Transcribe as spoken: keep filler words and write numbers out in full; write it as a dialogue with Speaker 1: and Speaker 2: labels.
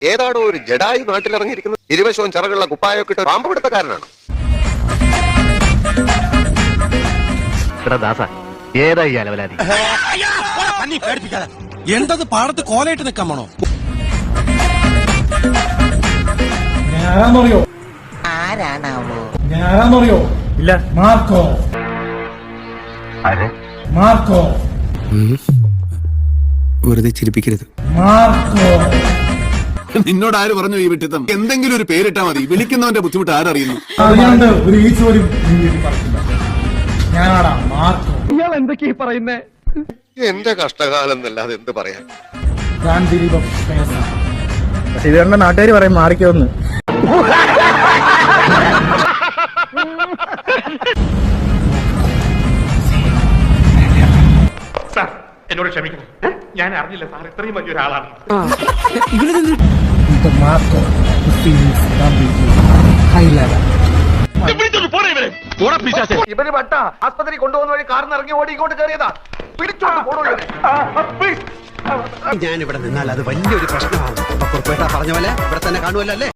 Speaker 1: ഏതാണോ ഒരു ജഡായി നാട്ടിലിറങ്ങിയിരിക്കുന്നത് ഇരുവശവും ചിറകുള്ള കുപ്പായൊക്കെ ഇട്ട് പാമ്പ് പിടുത്തക്കാരനാണ്.
Speaker 2: ഏതായി അലവലാതി
Speaker 3: എന്തത് പാടത്ത് കോലയിട്ട് നിൽക്കാൻ പോണോ?
Speaker 4: ഞാനാന്നറിയോ?
Speaker 5: ആരാണാവോ?
Speaker 4: ഞാനാന്നറിയോ?
Speaker 2: ഇല്ല.
Speaker 4: മാർക്കോ. മാർക്കോ.
Speaker 3: വെറുതെ ചിരിപ്പിക്കരുത്.
Speaker 4: മാർക്കോ.
Speaker 3: നിന്നോട് ആര് പറഞ്ഞു ഈ വിട്ടിത്തം? എന്തെങ്കിലും ഒരു പേരിട്ടാ മതി, വിളിക്കുന്നവന്റെ ബുദ്ധിമുട്ട് ആരറിയുന്നു?
Speaker 4: അറിയാണ്ട് ഒരു ഈച്ച പോലും നീ വീട്ടിൽ പറക്കില്ല. ഞാനാടാ മാർക്കോ.
Speaker 2: ഇയാൾ എന്തൊക്കെയാ പറയുന്നേ?
Speaker 1: എന്റെ കഷ്ടകാലം എന്നല്ലാതെ എന്ത് പറയാൻ.
Speaker 4: ഞാൻ ദിലീപം പേസ.
Speaker 2: പക്ഷെ ഇത് കണ്ട നാട്ടുകാർ പറയും മാറിക്കോന്ന്.
Speaker 6: സാർ എന്നോട് ക്ഷമിക്കണം, ഞാൻ അറിഞ്ഞില്ല സാർ ഇത്രയും വലിയൊരാളാണ്.
Speaker 4: Marco high level.
Speaker 2: ഇവര് വട്ട ആസ്പത്രി കൊണ്ടുപോകുന്ന വഴി കാറിന് ഇറങ്ങി ഓടി ഇങ്ങോട്ട് കയറിയതാ. പിടിച്ചോണ്ട് പോണോ?
Speaker 3: ഞാൻ ഇവിടെ നിന്നാൽ അത് വലിയൊരു പ്രശ്നമാണ്. പറഞ്ഞ പോലെ ഇവിടെ തന്നെ കാണുമല്ലോ അല്ലേ?